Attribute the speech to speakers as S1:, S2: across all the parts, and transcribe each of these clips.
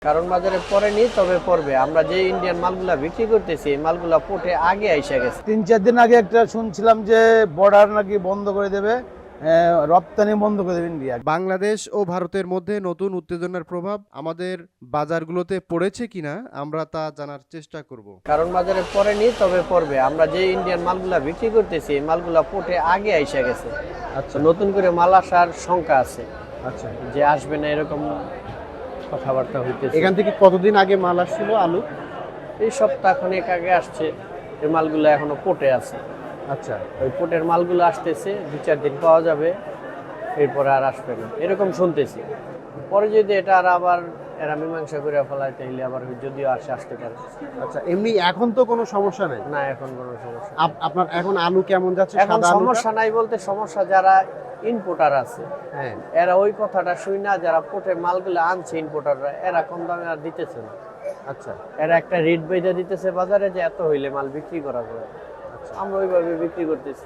S1: কারণ বাজারে পড়েনি, তবে পড়বে। আমরা যে ইন্ডিয়ান মালগুলা বিক্রি করতেছি এই মালগুলা পোর্টে আগে আইসা গেছে।
S2: 3-4 দিন আগে একটা শুনছিলাম যে বর্ডার নাকি বন্ধ করে দেবে, রপ্তানি বন্ধ করে দেবে ইন্ডিয়া।
S3: বাংলাদেশ ও ভারতের মধ্যে নতুন উত্তেজনার প্রভাব আমাদের বাজারগুলোতে পড়েছে কিনা আমরা তা জানার চেষ্টা করব।
S1: কারণ বাজারে পড়েনি, তবে পড়বে। আমরা যে ইন্ডিয়ান মালগুলা বিক্রি করতেছি এই মালগুলা পোর্টে আগে আইসা গেছে।
S2: আচ্ছা
S1: নতুন করে মাল আসার শঙ্কা আছে,
S2: আচ্ছা।
S1: যে আসবে না এরকম কথাবার্তা হইতেছে।
S3: এখান থেকে কতদিন আগে মাল আসছিল আলু?
S1: এই সপ্তাহ খানেক আগে আসছে। এই মালগুলো এখনো পোর্টে আছে।
S3: আচ্ছা,
S1: ওই পোর্টের মালগুলো আসতেছে, 2-4 দিন পাওয়া যাবে, এরপরে আর আসবে না এরকম শুনতেছি। পরে যদি এটা আর আবার এরা মীমাংসা করে ফেলায় তাহলে আবার যদিও আসতে পারে।
S3: আচ্ছা। এমনি এখন তো কোনো সমস্যা নেই?
S1: না, এখন কোনো সমস্যা।
S3: আপনার এখন আলু কেমন যাচ্ছে?
S1: এখন
S3: সাদা আলুটা?
S1: সমস্যা নাই বলতে, সমস্যা যারা ইম্পোর্টার আছে
S3: হ্যাঁ।
S1: এরা ওই কথাটা শুই না, যারা পোর্টের মালগুলো আনছে ইম্পোর্টাররা, এরা কম দামে আর দিতেছে না।
S3: আচ্ছা
S1: এরা একটা রেট বেঁধে দিতেছে বাজারে যে এত হইলে মাল বিক্রি করা যাবে। আমরা ওইভাবে বিক্রি করতেছি।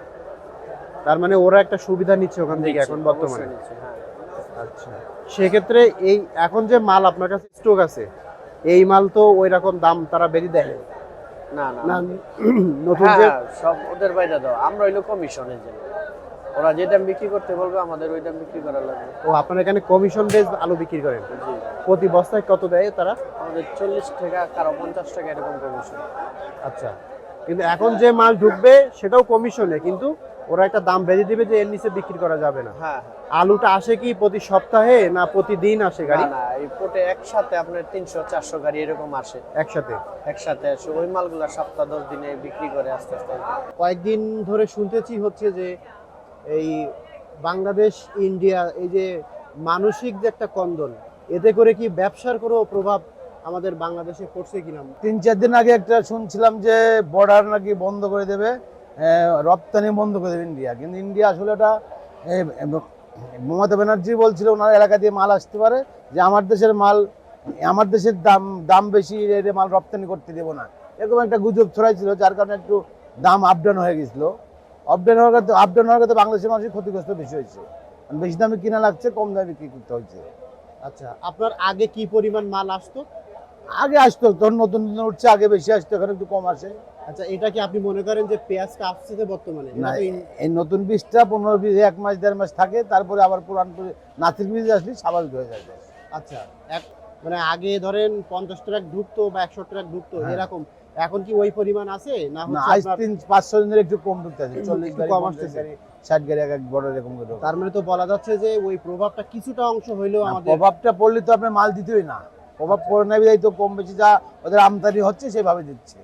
S3: তার মানে ওরা একটা সুবিধা নিচ্ছে ওখান থেকে এখন বর্তমানে?
S1: অবশ্যই নিচ্ছে, হ্যাঁ।
S3: আচ্ছা, সেক্ষেত্রে এই এখন যে মাল আপনার কাছে স্টক আছে এই মাল তো ওই রকম দাম তারা বেরি দেয়
S1: না
S3: না?
S1: না,
S3: নতুন
S1: হ্যাঁ,
S3: যে
S1: সব ওদের বাইরে দাও, আমরা হইলো কমিশনের জন্য। ওরা যে দাম বিক্রি করতে বলবে আমাদের ওই দাম বিক্রি করা লাগবে।
S3: ও আপনার এখানে কমিশন বেস আলু বিক্রি করেন?
S1: জি,
S3: প্রতি বস্তায় কত দেয় তারা?
S1: আমাদের 40 টাকা, কারো 50 টাকা এরকম কমিশন।
S3: আচ্ছা, কিন্তু এখন যে মাল ঢুকবে সেটাও কমিশনে, কিন্তু ওরা একটা দাম বেঁধে দিবে যে এর নিচে বিক্রি করা যাবে না।
S1: হ্যাঁ,
S3: আলুটা আসে কি প্রতি সপ্তাহে না প্রতিদিন আসে গাড়ি?
S1: না, এই পোর্টে একসাথে আপনার 300-400 গাড়ি এরকম আসে। একসাথে আসে ওই মালগুলা সপ্তাহ 10 দিনে বিক্রি করে আস্তে আস্তে।
S3: কয়েকদিন ধরে শুনতেছি হচ্ছে যে এই বাংলাদেশ ইন্ডিয়া এই যে মানসিক যে একটা কন্দল, এতে করে কি ব্যবসার কোনো প্রভাব আমাদের বাংলাদেশে পড়ছে কিনা?
S2: 3-4 দিন আগে একটা শুনছিলাম যে বর্ডার নাকি বন্ধ করে দেবে, রপ্তানি বন্ধ করে দেবে ইন্ডিয়া। কিন্তু ইন্ডিয়া আসলে ওটা মমতা ব্যানার্জি বলছিল ওনার এলাকা দিয়ে মাল আসতে পারে, যে আমার দেশের মাল, আমার দেশের দাম বেশি, এর মাল রপ্তানি করতে দেবো না, এরকম একটা গুজব ছড়াইছিল, যার কারণে একটু দাম আপডাউন হয়ে গেছিলো। আপডাউন হওয়ার কারণে বাংলাদেশের মানুষের ক্ষতিগ্রস্ত বেশি হয়েছে। বেশি দামে কিনা লাগছে, কম দামে বিক্রি করতে হয়েছে।
S3: আচ্ছা, আপনার আগে কি পরিমাণ মাল আসতো?
S2: আগে আসতো, তখন নতুন নতুন উঠছে, আগে বেশি আসতো, এখন একটু কম আসে।
S3: আচ্ছা, এটা কি আপনি মনে করেন যে পেঁয়াজটা আসছে বর্তমানে?
S2: না, এই নতুন বীজটা 15-20 1 মাস 1.5 মাস থাকে, তারপরে আবার পুরান নাতির বীজ আসলে স্বাভাবিক হয়ে যাবে।
S3: আচ্ছা, মানে আগে ধরেন 50 ট্রাক ঢুকতো বা 100 ট্রাক ঢুকতো এরকম, এখন কি ওই পরিমাণ আছে না?
S2: আজ 3-5 দিনের একটু কম ঢুকতেছে, 40 গাড়ি
S3: কম
S2: 50
S3: আসতেছে,
S2: গাড়ি 60 গাড়ি এক বড় এরকম করে।
S3: তার মানে তো বলা যাচ্ছে যে ওই প্রভাবটা কিছুটা অংশ হইলেও আমাদের
S2: প্রভাবটা পড়লে তো আপনি মাল দিতেই না, প্রভাব পড়ে না, বিধায় তো কম বেশি যা ওদের আমদানি হচ্ছে সেভাবে দিচ্ছে।